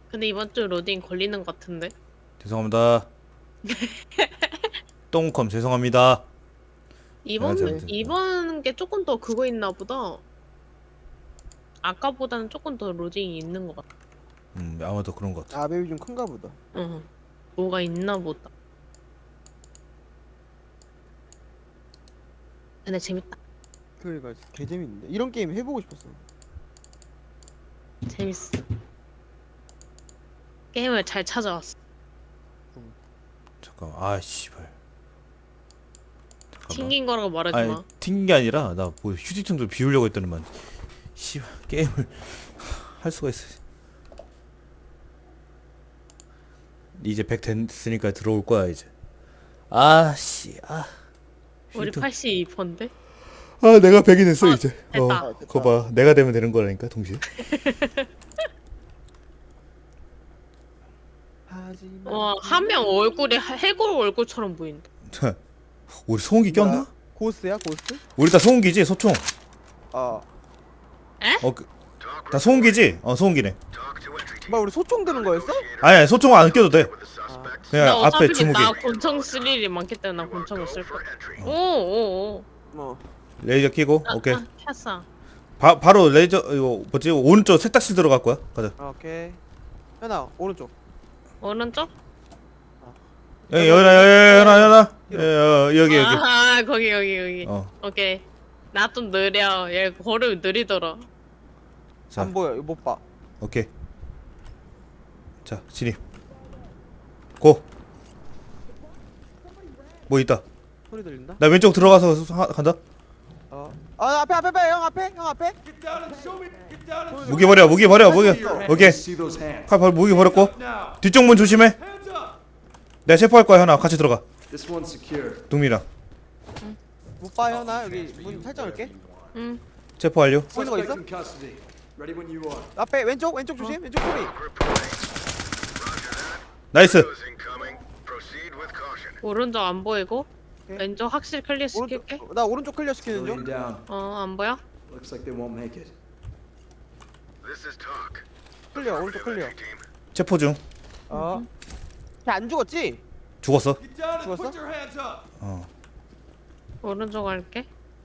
근데 이번 주 로딩 걸리는 것 같은데? 죄송합니다. 똥컴 죄송합니다. 제가 이번, 잘못했다. 이번 게 조금 더 그거 있나 보다. 아까보다는 조금 더 로딩이 있는 것 같아. 아마도 그런 것 같아. 아 맵이 좀 큰가 보다. 응. 뭐가 있나 보다. 근데 재밌다. 그러니까 개 재밌는데 이런 게임 해보고 싶었어. 재밌어. 게임을 잘 찾아왔어. 잠깐만. 아 씨발. 잠깐만. 튕긴 거라고 말하지 아니 마. 튕긴 게 아니라 나 뭐 휴지통 좀 비우려고 했더니만 씨발 게임을 할 수가 있어. 이제 100 됐으니까 들어올 거야 이제. 아씨 아. 우리 휴지통. 82%인데? 아 내가 100이 됐어 아, 이제. 됐다. 그거 봐. 내가 되면 되는 거라니까 동시에. 하지만 와, 한 명 얼굴이 해골 얼굴처럼 보인다. 우리 소음기 꼈나? 고스트야 고스트? 우리 다 소음기지 소총. 아 다 소음기지? 소음기네. 뭐 우리 소총 드는 거였어? 아니 소총 안 껴도 돼. 아, 그냥 나 앞에 어차피 주무기. 나 권총 쓸 일이 많기 때문에 나 권총을 쓸 거야. 오오오. 뭐 레이저 끼고 오케이. 켰어. 바로 레이저 이거 뭐지 오른쪽 세탁실 들어갈 거야. 가자. 오케이. 현아 오른쪽. 오른쪽? 여기 여기. 아, 거기. 어. 오케이. 나 좀 느려. 얘 걸음이 느리더라. 자 안 보여 이거 못 봐. 오케이. 자 진입. 고. 뭐 있다. 소리 들린다? 나 왼쪽 들어가서 간다. 아 앞에 형 앞에. 무기 버려 무기. 오케이. 칼 바로 무기 버렸고 뒤쪽 문 조심해. 내가 체포할 거야 현아 같이 들어가. 동민이랑 못 봐 현아 여기 문 살짝 열게. 응. 체포 완료. 보이는 거 있어? 앞에 왼쪽 조심 왼쪽 소리. 나이스. 오른쪽 안 보이고 오케이. 왼쪽 확실히 클리어 시킬게. 오른쪽 나 오른쪽 클리어 시키는 중. 안 보여? 클리어 오른쪽 클리어. 체포 중. 걔안 죽었지? 죽었어. 죽었어? 오른쪽 갈게.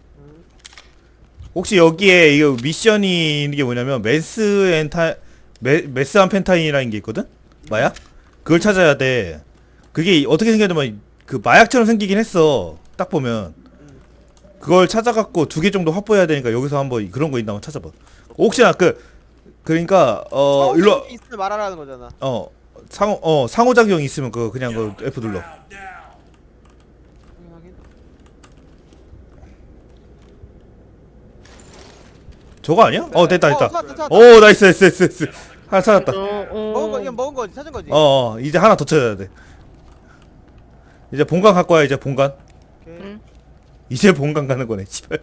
혹시 여기에 이거 미션이 있는 게 뭐냐면 메스 암펜타인이라는 게 있거든? 마약? 그걸 찾아야 돼. 그게 어떻게 생겼냐면 그 마약처럼 생기긴 했어. 딱 보면 그걸 찾아갖고 2개 정도 확보해야 되니까 여기서 한번 그런 거 있나 한번 찾아봐. 혹시나 그러니까 일로 있으면 말하라는 거잖아. 상호작용이 있으면 그냥 그 F 눌러. 저거 아니야? 됐다. 찾았다. 오 나이스. 하나 찾았다. 이건 먹은 거지 찾은 거지. 이제 하나 더 찾아야 돼. 이제 본관 갈 거야 이제 본관. 오케이. 응. 이제 본관 가는 거네. 씨발.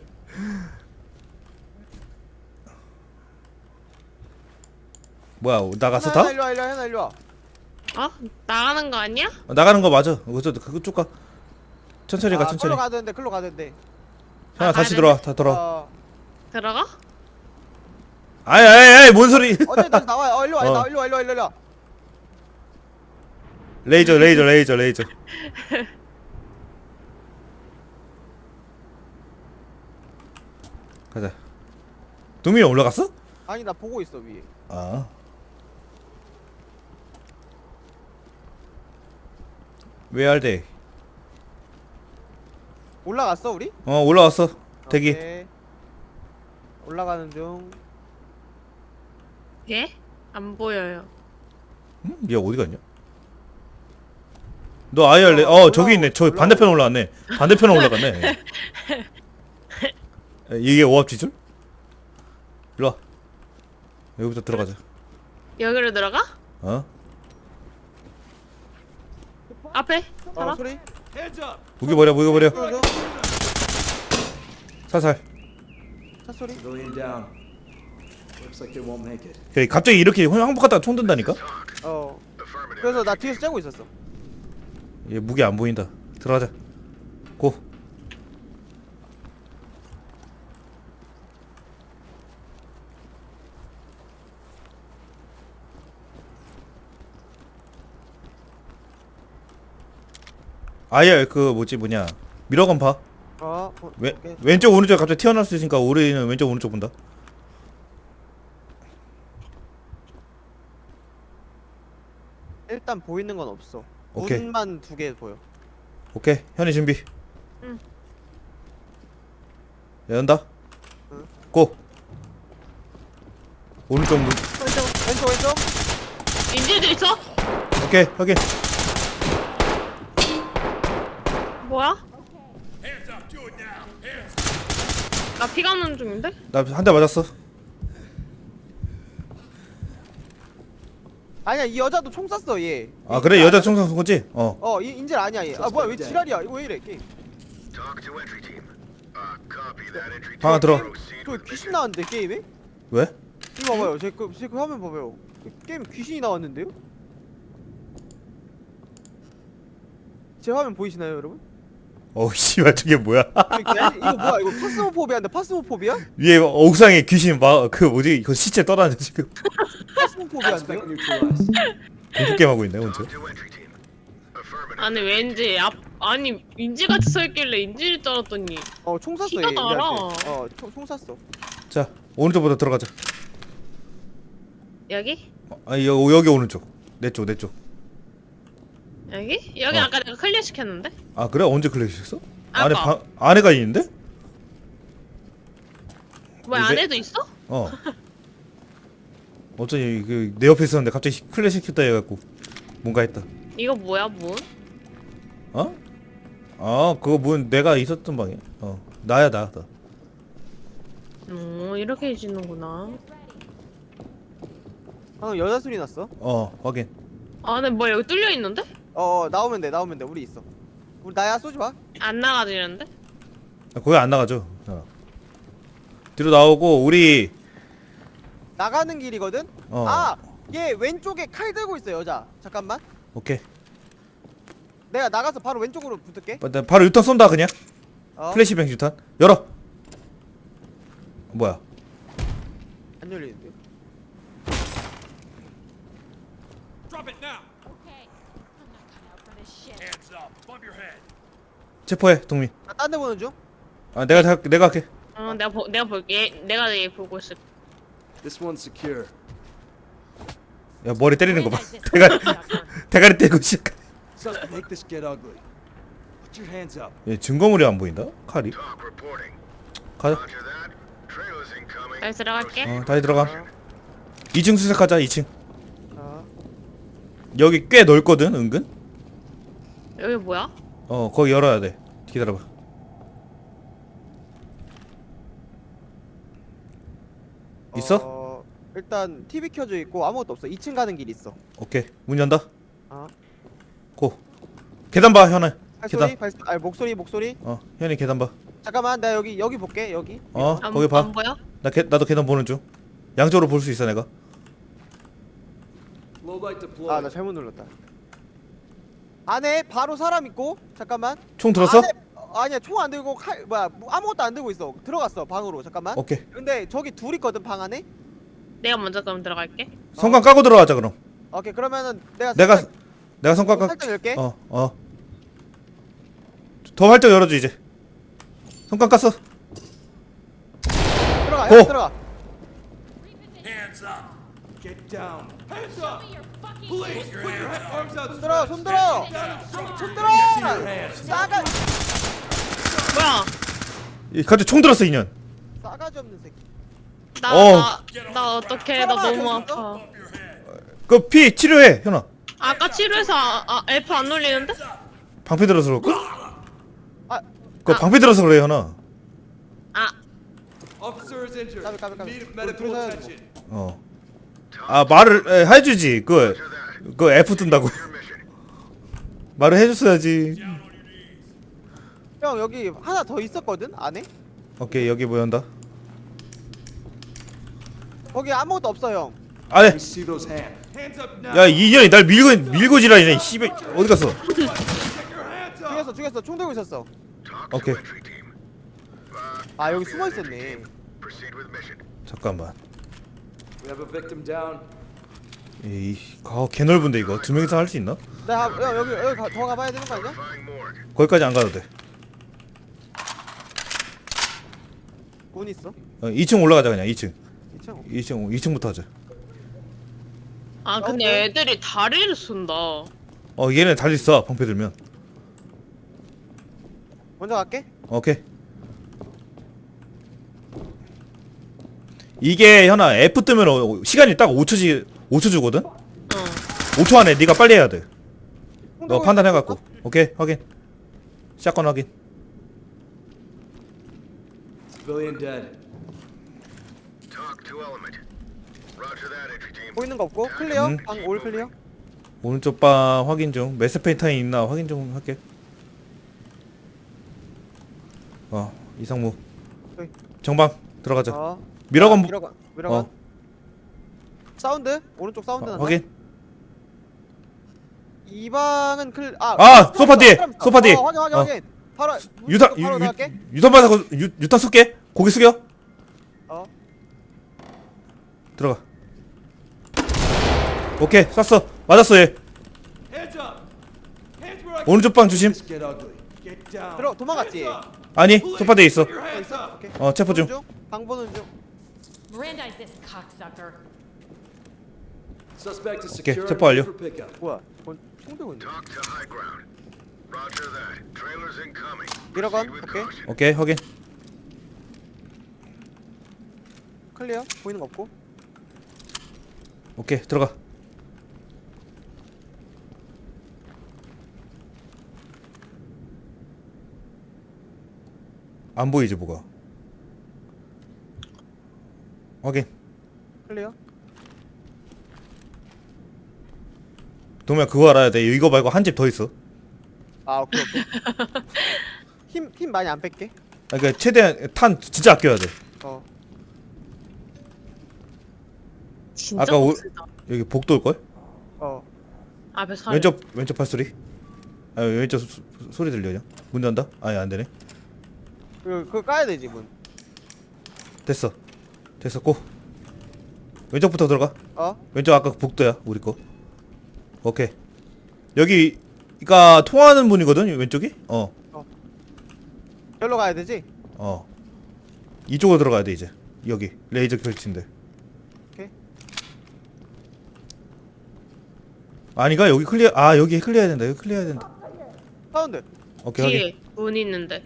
뭐야 나갔어 다? 현아 일로 와. 나가는 거 아니야? 나가는 거 맞아. 그거 쭉 가. 천천히 가 천천히. 글로 가던데. 하나 다시 들어와. 다 돌아. 들어가? 아이 뭔 소리? 어제 다시 나와. 일로 와. 어. 일로 와. 레이저. 가자. 도민이 올라갔어? 아니 나 보고 있어 위에. 아. Where are they? 올라갔어 우리? 올라왔어. 대기. 오케이. 올라가는 중. 예? 안 보여요. 얘 어디 갔냐? 너 IR 저기 있네. 저 반대편 올라갔네. 반대편 올라갔네. 이게 오합지졸? 일로 와. 여기부터 들어가자. 여기로 들어가? 앞에? 살아? 소리. 무기 버려. 줘. 살살. 차 소리. 그래, 갑자기 이렇게 항복하다가 총 든다니까? 그래서 나 뒤에서 째고 있었어. 얘 무기 안 보인다. 들어가자. 고. 아예 그 뭐냐 미러건 봐. 오케이. 왼쪽 오른쪽 갑자기 튀어나올 수 있으니까 우리는 왼쪽 오른쪽 본다. 일단 보이는 건 없어. 오케이. 문만 2개 보여. 오케이 현이 준비. 응. 연다. 응. 고. 오른쪽 문. 왼쪽. 인질도 있어? 오케이 확인. 뭐야? 나 피가 나는 중인데? 나 한 대 맞았어. 아니야, 이 여자도 총 쐈어 얘. 아 그래 여자 총선 쏜 거지? 어. 인질 아니야 얘. 아 뭐야 왜 지랄이야? 이거 왜 이래 게임? 방 안에 들어. 저 귀신 나왔는데 게임에? 왜? 이거 봐봐요. 제 그 화면 봐봐요. 게임 귀신이 나왔는데요? 제 화면 보이시나요 여러분? 어우 씨발 저게 뭐야? 이거 뭐야? 이거 파스모포비아인데 파스모포비아? 위에 옥상에 귀신 그 뭐지 이거 시체 떠다녀 지금. 파스모포비아인데요? 공포 게임 하고 있네 혼자. 아니 왠지 아니 인질같이 서있길래 인질일 줄 알았더니 총 쐈어 피가 얘. 나라. 얘한테. 총 쐈어. 자 오른쪽부터 들어가자. 여기? 여기 오른쪽. 내 쪽. 여기? 여기 어. 아까 내가 클리어 시켰는데? 아 그래 언제 클릭했어? 아까. 안에가 있는데? 왜 내- 안에도 있어? 어. 어쩌니 내 옆에 있었는데 갑자기 클릭 시켰다 해갖고 뭔가 했다. 이거 뭐야 문? 어? 아 그거 문 내가 있었던 방이야. 나야 나. 이렇게 해지는구나. 방금 여자 소리 났어. 확인. 아니 뭐야 여기 뚫려 있는데? 나오면 돼. 우리 있어. 우리 나야 쏘지 마. 안 나가지는데? 거기 안 나가죠. 뒤로 나오고 우리 나가는 길이거든. 어. 얘 왼쪽에 칼 들고 있어 여자. 잠깐만. 오케이. 내가 나가서 바로 왼쪽으로 붙을게. 바로 유탄 쏜다 그냥. 어? 플래시뱅 유탄. 열어. 뭐야? 안 열리는데. 체포해 동민. 나 딴 데 보는 중. 내가 할게. 내가 볼게. 내가 얘 보고 있을. This one's secure. 야 머리 때리는 거 봐. 대가리 때리고 시작. So make this get ugly. Put your hands up. 얘 증거물이 안 보인다. 칼이. 가자. 잘 들어갈게. 다시 들어가. 2층 수색하자. 2층. 어. 여기 꽤 넓거든. 은근. 여기 뭐야? 거기 열어야 돼. 기다려봐. 있어? 일단 TV 켜져 있고 아무것도 없어. 2층 가는 길 있어. 오케이. 문 연다. 어. 고. 계단 봐 현아. 발소리? 목소리? 현이 계단 봐. 잠깐만, 나 여기 볼게. 여기. 거기 봐. 안 보여? 나도 계단 보는 중. 양쪽으로 볼 수 있어 내가. Low light deploy. 나 잘못 눌렀다. 안에 바로 사람 있고. 잠깐만. 총 들었어? 아니야, 총 안 들고 아무것도 안 들고 있어. 들어갔어 방으로. 잠깐만. 오케이. 근데 저기 둘 있거든 방 안에. 내가 먼저 그럼 들어갈게. 성광 까고 들어가자 그럼. 오케이, 그러면은 내가 성광 까. 살짝 열게. 더 활짝 열어줘 이제. 성광 깠어. 들어가. 고! 들어가. Get down. Hands up. Police, put your arms out. 손 들어. 손 들어. 싸가 뭐야? 갑자기 총 들었어 인연. 싸가지 없는 새끼. 나 어떡해? 나 너무 아파. 그 피 치료해 현아. 아까 치료해서 F 안 눌리는데? 방패 들어서 그럴까? 아, 방패 들어서 그래 현아. Officer is injured. 까비. Need 우리 medical 둘이서 해야지 attention. 말을 해주지. 그 F 뜬다고. 말을 해줬어야지. 형 여기 하나 더 있었거든 안에. 오케이 여기 뭐 연다. 거기 아무것도 없어 형. 안에. Let me see those hands. Hands up now. 야 이년이 날 밀고 지랄이네. 씨발 어디 갔어? Get your hands up. 죽였어. 총 들고 있었어. 오케이. 여기 숨어 있었네. 잠깐만. We have a victim down. 에이, 개 넓은데 이거 두 명이서 할 수 있나? 여기 더 가봐야 되는 거 아니야? 거기까지 안 가도 돼. 문 있어. 2층 올라가자 그냥 2층. 2층. 2층부터 하자. 아 근데 애들이 다리를 쏜다. 얘네 달리 써 방패 들면. 먼저 갈게. 오케이. 이게 현아 F 뜨면 시간이 딱 5초 주거든. 5초 안에 네가 빨리 해야 돼. 너 판단해갖고. 오케이 확인. 샷건 확인. Civilian dead. Talk to element. Roger that, entry team. 보이는 거 없고 클리어. 음. 방 올 클리어. 오른쪽 방 확인 중. 메스페인타인 있나 확인 좀 할게. 이상무. 여기. 정방 들어가자. 미러건. 어. 사운드 오른쪽 사운드 난다. 확인. 이 방은 소파 뒤에, 소파 뒤에. 확인. 바로 유탄 바로 나갈게. 유탄 받아고 유탄 쏠게. 고개 숙여. 들어가. 오케이 쐈어. 맞았어 얘. Hands up. Hands where I can 오른쪽 방 조심. This get ugly. Get down. 들어 도망갔지. Hands up. 아니 소파 뒤에 있어. Put your hands up. 오케이. 체포 중. 방 보는 중. Mirandize this cocksucker. Suspect is 오케이, secure 체포 완료. for pickup. 뭐야? 총 들고 있네. Talk to high ground. Roger that. Trailers incoming. 미러건. Proceed with 오케이. caution. 오케이 확인. 클리어. 보이는 거 없고. 오케이 들어가. 안 보이지 뭐가. 확인. 클리어. 동면 그거 알아야 돼. 이거 말고 한 집 더 있어. 오케이. 힘 많이 안 뺄게. 그러니까 최대한 탄 진짜 아껴야 돼. 진짜 아까 빡세다. 여기 복도 올 걸? 앞에 사람. 왼쪽 발소리. 왼쪽 소리 들려요. 문 연다? 아니 안 되네. 그거 까야 되지 문. 됐어. 고. 왼쪽부터 들어가. 왼쪽 아까 복도야 우리 거. 오케이. 여기가 통하는 문이거든 왼쪽이. 여기로 가야 되지? 이쪽으로 들어가야 돼 이제. 여기 레이저 설치인데. 오케이. 아니가 여기 클리어. 여기 클리어해야 된다. 여기 클리어해야 된다. 사운드. 오케이 확인. 뒤에 문 있는데.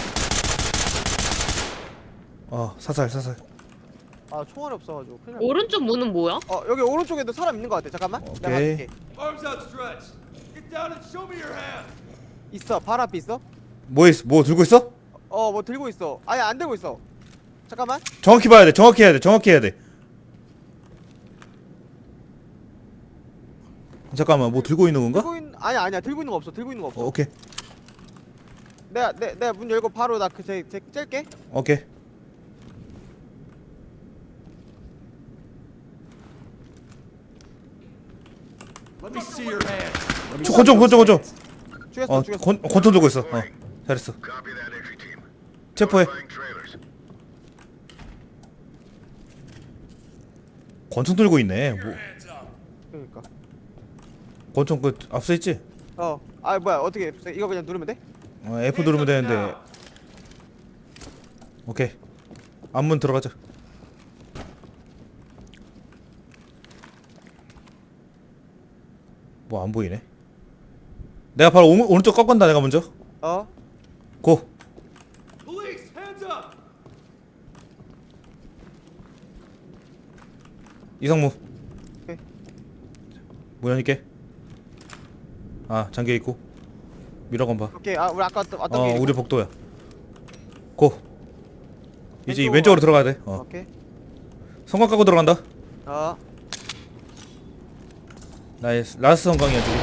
사살. 총알이 없어가지고 큰일 났네. 오른쪽 문은 뭐야? 여기 오른쪽에도 사람 있는 거 같아. 잠깐만. 내가 오케이. 갈게. Arms outstretched. Get down and show me your hand. 있어. 발 앞에 있어. 뭐 들고 있어? 뭐 들고 있어. 아니 안 들고 있어. 잠깐만. 정확히 봐야 돼. 정확히 해야 돼. 잠깐만 뭐 들고 있는 건가? 아니야. 들고 있는 거 없어. 오케이. 내가 문 열고 바로 나 쟤 짤게. 오케이. Let me see your hand. 권총. 죽였어. 권총 들고 있어. 잘했어. Copy that, entry team. 체포해. Notifying trailers. 권총 들고 있네. 그러니까. 권총 그 앞서 있지? 뭐야 어떻게 이거 그냥 누르면 돼? F 누르면 되는데. 오케이. 앞문 들어가자. 뭐 안 보이네. 내가 바로 오른쪽 꺾은다. 내가 먼저. 고. Police, hands up. 이상무. 오케이. 문 열게. 잠겨 있고. 미러건 봐. 오케이. 우리 아까 왔던 게. 우리 복도야. 고. 이제 왼쪽으로 왼쪽으로 들어가야 돼. 오케이. 성광 까고 들어간다. 나의 라스 성광이야 저기.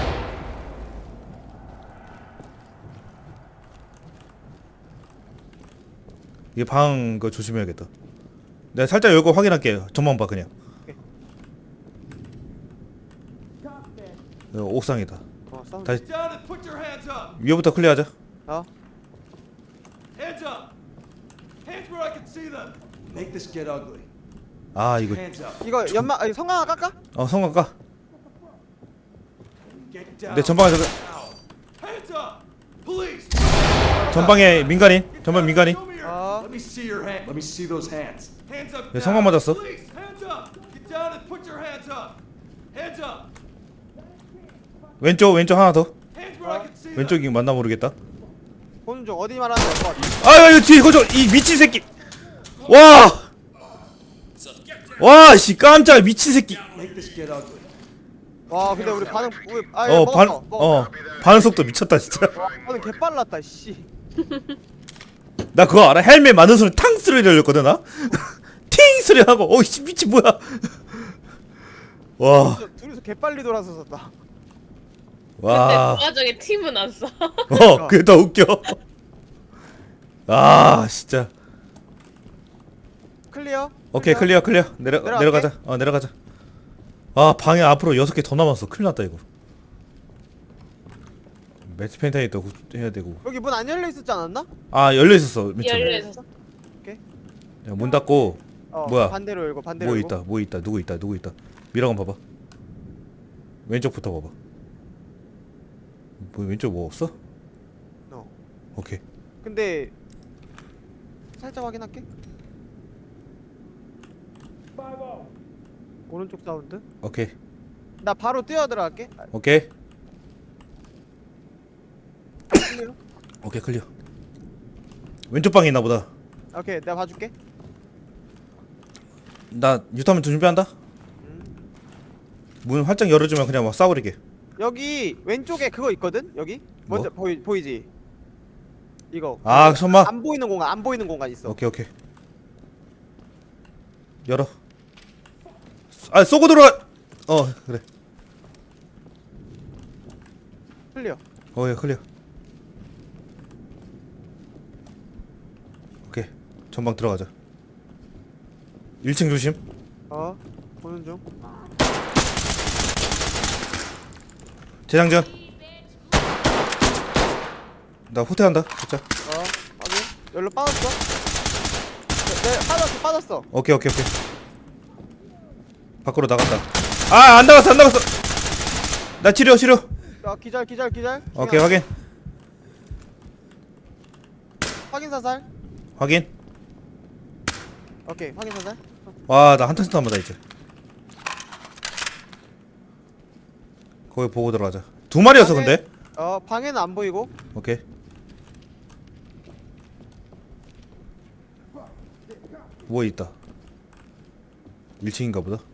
이 방 그 조심해야겠다. 내가 살짝 열고 확인할게. 전망 봐 그냥. 옥상이다. 사운드. 다시 Get down and put your hands up. 위에부터 클리어하자. Hands up. Hands where I can see them. Make this get ugly. 이거 Hands up. 이거 성광 깎아? 성광 까. Get down. 내 전방에 Now. Hands up. Police. 전방에 민간인. 전방 민간인. Show me your. 어. Let me see your hand. Let me see those hands. Hands up. 야, now. 성광 맞았어. Police, hands up. Get down and put your hands up. Hands up. 왼쪽 하나 더. Hands where I can see them. 왼쪽이 맞나 모르겠다. 보는 중 어디 말하는 거야? 아 이거 뒤에 거저 이 미친 새끼. 와, 씨 깜짝 미친 새끼. Make this get ugly. 와 근데 우리 반응 반응 속도 미쳤다 진짜. 반응 개빨랐다 씨. 나 그거 알아? 헬멧 맞는 소리 탕 소리 들렸거든 나. 팅 소리 하고 어이씨 미친 뭐야. 와. 둘이서 개빨리 돌아서었다. 근데 와. 그 와중에 팀은 안 써. 그게 더 웃겨. 아 진짜. 클리어? 오케이 클리어 내려갈게. 내려가자. 내려가자. 아 방에 앞으로 6개 더 남았어. 큰일 났다 이거. 매트 펜타이 또 해야 되고. 여기 문 안 열려 있었지 않았나? 아 열려 있었어. 맨 처음에. 열려 있었어. 야, 문 닫고 뭐야? 반대로 열고 반대로 뭐 열고. 있다. 뭐 있다. 누구 있다. 누구 있다. 미라건 봐봐. 왼쪽부터 봐봐. 뭐 왼쪽 뭐 없어? 어. 오케이. 근데 살짝 확인할게. 오른쪽 사운드. 오케이. 나 바로 뛰어 들어갈게. 오케이. 클리어. 오케이 클리어. 왼쪽 방에 있나 보다. 오케이 내가 봐줄게. 나 유타민 준비한다. 문 활짝 열어주면 그냥 막 싸버리게. 여기 왼쪽에 그거 있거든. 여기 먼저 보이지? 이거. 아 설마. 안 보이는 공간 있어. 오케이. 열어. 아 쏘고 들어와. 그래. 클리어. 예 클리어. 오케이. 전방 들어가자. 1층 조심. 보는 중. 재장전. 나 후퇴한다. 진짜. 확인. 열로 빠졌어. 네, 빠졌어. 오케이. 밖으로 나갔다. 아, 안 나갔어. 나 치료. 기절. 오케이, 확인. 확인 사살. 확인. 오케이, 확인 사살. 와, 나 한탄 남았다 이제. 거기 보고 들어가자. 2마리였어 근데. 방에는 안 보이고. 오케이. 뭐 있다. 1층인가 보다.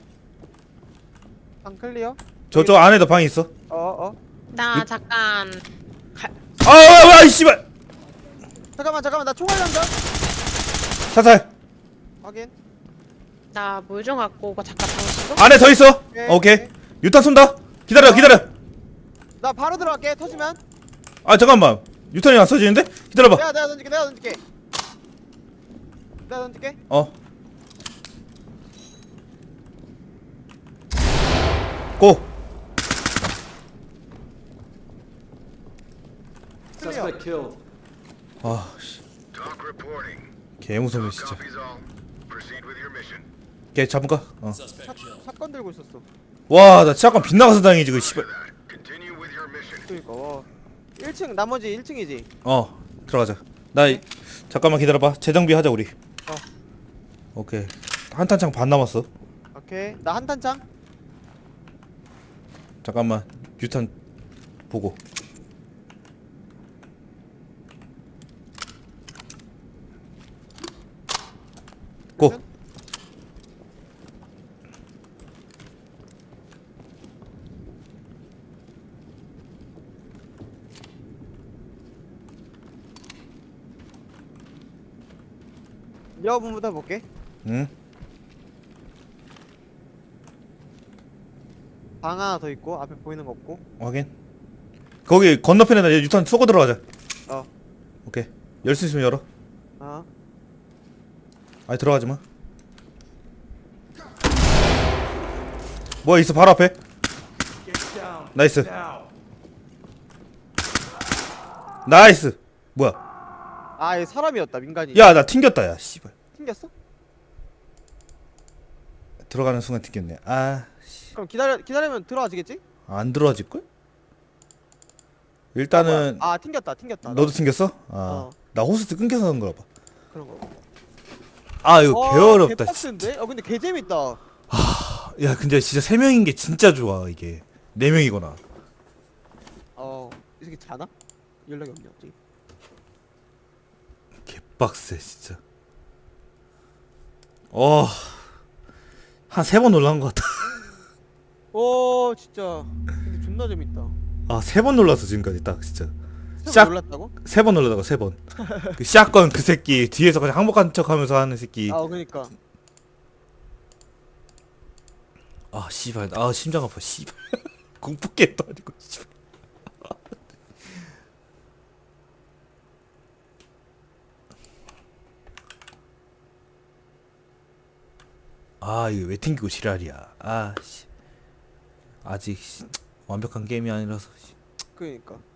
방 클리어. 저쪽 안에도 방이 있어. 나 잠깐 와, 이 씨발. 잠깐만 나 총알 난다. 사살. 확인. 나 물 좀 갖고 오고 잠깐 방식도. 안에 더 있어. 오케이. 오케이. 유탄 쏜다. 기다려. 나 바로 들어갈게. 터지면. 아 잠깐만. 유탄이 안 써지는데? 기다려봐. 내가 던질게. 내가 던질게. 고. Suspect killed. 아, 씨. Talk reporting. 개 무섭네 진짜. Copies all. Proceed with your mission. 걔 잡을까? 사건 들고 있었어. 와, 나 잠깐 빗나가서 다행이지 그 씨발. Continue with your mission. 그니까. 1층 나머지 1층이지. 들어가자. 잠깐만 기다려봐. 재정비 하자 우리. 오케이. 한탄창 반 남았어. 오케이. 나 한탄창. 잠깐만. 유탄 보고. 고. 여분부터 볼게. 응? 방 하나 더 있고 앞에 보이는 거 없고. 확인. 거기 건너편에다 유탄 쏘고 들어가자. 어. 오케이. 열 수 있으면 열어. 아니 들어가지 마. 뭐야 있어 바로 앞에. Get down. 나이스. Now. 나이스. 뭐야? 얘 사람이었다. 민간인. 야 나 튕겼다 야 씨발. 튕겼어? 들어가는 순간 튕겼네. 아, 씨. 그럼 기다리면 들어와지겠지? 안 들어와질 걸? 일단은 아 튕겼다 튕겼다. 너도 튕겼어? 아, 어. 나 호스트 끊겨서 그런 거라 봐. 그런 거. 아 이거 개어렵다. 개빡센데? 근데 개 재밌다. 야 근데 진짜 3명인 게 진짜 좋아 이게. 4명이거나. 이 새끼 자나? 연락이 없냐 갑자기. 개빡세 진짜. 한 3번 올라간 것 같다. 진짜. 근데 존나 재밌다. 아 3번 놀랐어 지금까지 딱 진짜. 샷 샷- 놀랐다고? 3번 놀라다가 3번. 그 샷건 그 새끼 뒤에서 그냥 항복한 척하면서 하는 새끼. 그니까. 아 씨발. 아 심장 아파 씨발. 공포 게임도 아니고 씨발. 아 이거 왜 튕기고 지랄이야. 아 씨. 아직 완벽한 게임이 아니라서. 그니까.